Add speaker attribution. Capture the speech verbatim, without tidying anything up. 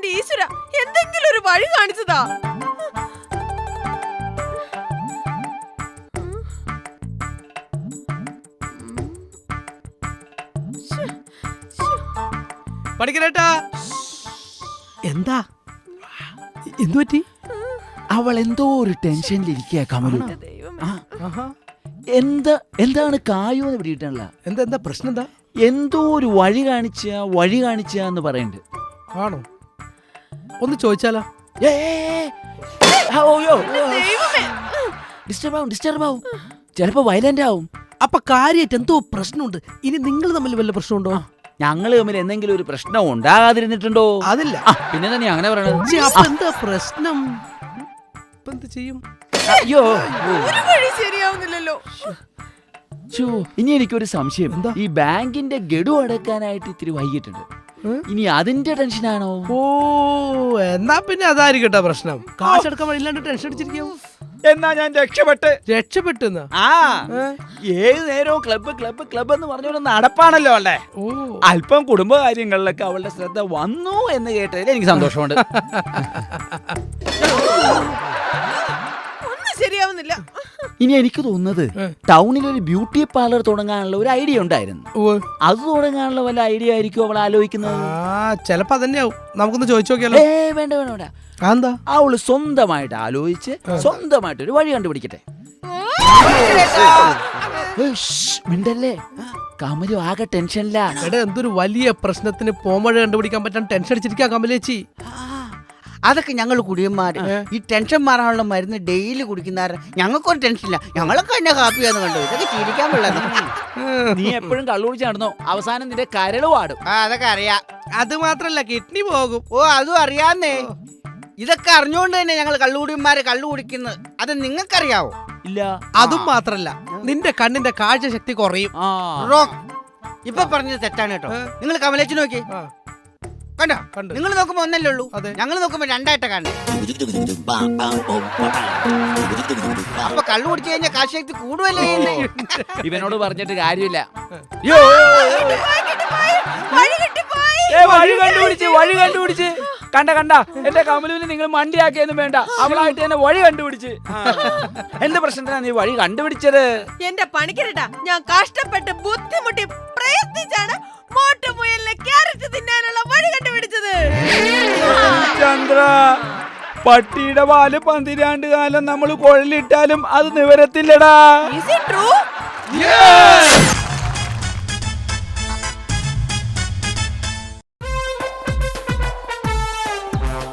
Speaker 1: എന്റെ ഈശ്വര, എന്തെങ്കിലും ഒരു വഴി കാണിച്ചതാ.
Speaker 2: പഠിക്കണേട്ടാ. എന്താ എന്തു പറ്റി?
Speaker 3: അവൾ എന്തോ ഒരു ടെൻഷനിലിരിക്കുക കമലു. എന്താ എന്താണ് കായോന്ന് പിടിയിട്ടല്ല.
Speaker 2: എന്താ എന്താ പ്രശ്നം? എന്താ
Speaker 3: എന്തോ ഒരു വഴി കാണിച്ച വഴി കാണിച്ച എന്ന് പറയണ്ട്.
Speaker 2: ആണോ? ഒന്ന് ചോദിച്ചാലോ?
Speaker 3: ഡിസ്റ്റർബ് ആവും ഡിസ്റ്റർബ് ആവും ചിലപ്പോ വയലന്റ് ആവും.
Speaker 2: അപ്പൊ കാര്യമായിട്ട് എന്തോ പ്രശ്നമുണ്ട്. ഇനി നിങ്ങൾ തമ്മിൽ വല്ല പ്രശ്നമുണ്ടോ?
Speaker 3: ഞങ്ങള് തമ്മിൽ എന്തെങ്കിലും ഒരു പ്രശ്നം ഉണ്ടാകാതിരുന്നിട്ടുണ്ടോ?
Speaker 2: അതില്ല.
Speaker 3: പിന്നെ തന്നെ അങ്ങനെ പറയണത്.
Speaker 2: എന്താ പ്രശ്നം? ഇപ്പൊ എന്ത് ചെയ്യും?
Speaker 3: അയ്യോ,
Speaker 1: ഒരു വഴി ശരിയാവുന്നില്ലല്ലോ.
Speaker 3: ഇനി എനിക്കൊരു സംശയം.
Speaker 2: എന്താ?
Speaker 3: ഈ ബാങ്കിന്റെ ഗഡു അടക്കാനായിട്ട് ഇത്തിരി വൈകിട്ടുണ്ട്. ഇനി അതിന്റെ ടെൻഷനാണോ?
Speaker 2: ഓ, എന്നാ പിന്നെ അതായിരിക്കട്ടെ പ്രശ്നം. കാശ് എടുക്കാൻ വഴിയില്ലാണ്ട് ടെൻഷൻ അടിച്ചിരിക്കും.
Speaker 3: എന്നാ ഞാൻ രക്ഷപ്പെട്ട്
Speaker 2: രക്ഷപ്പെട്ടെന്ന്?
Speaker 3: ആ, ഏത് നേരവും ക്ലബ്ബ് ക്ലബ്ബ് ക്ലബ്ബ് എന്ന് പറഞ്ഞോണ്ട് നടപ്പാണല്ലോ അവളുടെ. അല്പം കുടുംബകാര്യങ്ങളിലൊക്കെ അവളുടെ ശ്രദ്ധ വന്നു എന്ന് കേട്ടതിൽ എനിക്ക് സന്തോഷമുണ്ട്.
Speaker 1: ഒന്നും ശരിയാവുന്നില്ല.
Speaker 3: ഇനി എനിക്ക് തോന്നുന്നത് ടൗണിൽ ഒരു ബ്യൂട്ടി പാർലർ തുടങ്ങാനുള്ള ഒരു ഐഡിയ ഉണ്ടായിരുന്നു. അത് തുടങ്ങാനുള്ള വല്ല ഐഡിയ ആയിരിക്കും അവൾ ആലോചിക്കുന്നത്.
Speaker 2: ചിലപ്പോ അതന്നെയാവും. നമുക്കൊന്ന് ചോദിച്ചു നോക്കിയാലോ?
Speaker 3: ഏ വേണ്ട വേണ്ട വേണ്ട.
Speaker 2: എന്താ?
Speaker 3: അവള് സ്വന്തമായിട്ട് ആലോചിച്ച് സ്വന്തമായിട്ട് ഒരു വഴി കണ്ടുപിടിക്കട്ടെ. മിണ്ടല്ലേ, കമലു ആകെ ടെൻഷനില്ല.
Speaker 2: എടാ, എന്തൊരു വലിയ പ്രശ്നത്തിന് പോമഴ കണ്ടുപിടിക്കാൻ പറ്റാൻ ടെൻഷൻ അടിച്ചിരിക്കാ കമലേച്ചി.
Speaker 4: അതൊക്കെ ഞങ്ങൾ കുടിയന്മാര് ഈ ടെൻഷൻ മാറാനുള്ള മരുന്ന് ഡെയിലി കുടിക്കുന്ന ഞങ്ങൾക്കൊരു ടെൻഷനില്ല. ഞങ്ങളൊക്കെ എന്നെ ഹാപ്പിയാന്ന് കണ്ടു. ഇതൊക്കെ ചിരിക്കാൻ പിള്ളേർ.
Speaker 3: നീ എപ്പോഴും കള്ളു കുടിച്ച് നടന്നോ, അവസാനം നിന്റെ കരള് പാടും.
Speaker 4: ആ, അതൊക്കെ അറിയാം.
Speaker 2: അത് മാത്രല്ല, കിഡ്നി പോകും.
Speaker 4: ഓ, അതും അറിയാന്നേ. ഇതൊക്കെ അറിഞ്ഞുകൊണ്ട് തന്നെ ഞങ്ങൾ കള്ളുകുടിയന്മാര് കള്ളു കുടിക്കുന്നത്. അത് നിങ്ങൾക്കറിയാവോ?
Speaker 3: ഇല്ല.
Speaker 2: അതും മാത്രല്ല, നിന്റെ കണ്ണിന്റെ കാഴ്ച ശക്തി കുറയും.
Speaker 4: റോങ്. ഇപ്പൊ പറഞ്ഞത് തെറ്റാണ് കേട്ടോ. നിങ്ങൾ കമലേച്ചി നോക്കി കണ്ടോ? നിങ്ങൾ നോക്കുമ്പോ ഒന്നല്ലേ ഉള്ളൂ, ഞങ്ങൾ നോക്കുമ്പോ രണ്ടായിട്ടാ കാണുന്നത്. അപ്പൊ കള്ളു കുടിച്ചു കഴിഞ്ഞാൽ കാശക്തി കൂടുവല്ലേ?
Speaker 3: ഇവനോട് പറഞ്ഞിട്ട് കാര്യമില്ല.
Speaker 1: വഴി
Speaker 3: കണ്ടുപിടിച്ച് വഴി കണ്ടുപിടിച്ച് കണ്ട കണ്ട എന്റെ കമലുവിന് നിങ്ങൾ മണ്ടിയാക്കിയൊന്നും വേണ്ട, അവളായിട്ട് തന്നെ വഴി കണ്ടുപിടിച്ച്. എന്ത് പ്രശ്നത്തിനാ നീ വഴി കണ്ടുപിടിച്ചത്?
Speaker 1: എന്റെ പണിക്കരട്ടാ, ഞാൻ കഷ്ടപ്പെട്ട് ബുദ്ധിമുട്ടി പ്രയത്നിച്ചാണ് മോട്ടുമുയലിനെ ക്യാരറ്റ് തിന്നാനുള്ള വഴി കണ്ടുപിടിച്ചത്.
Speaker 3: ചന്ദ്ര, പട്ടിയുടെ പാല് പന്തിരാണ്ട് കാലം നമ്മൾ കുഴലിട്ടാലും അത് നിവരത്തില്ലടാ.
Speaker 1: Is it true?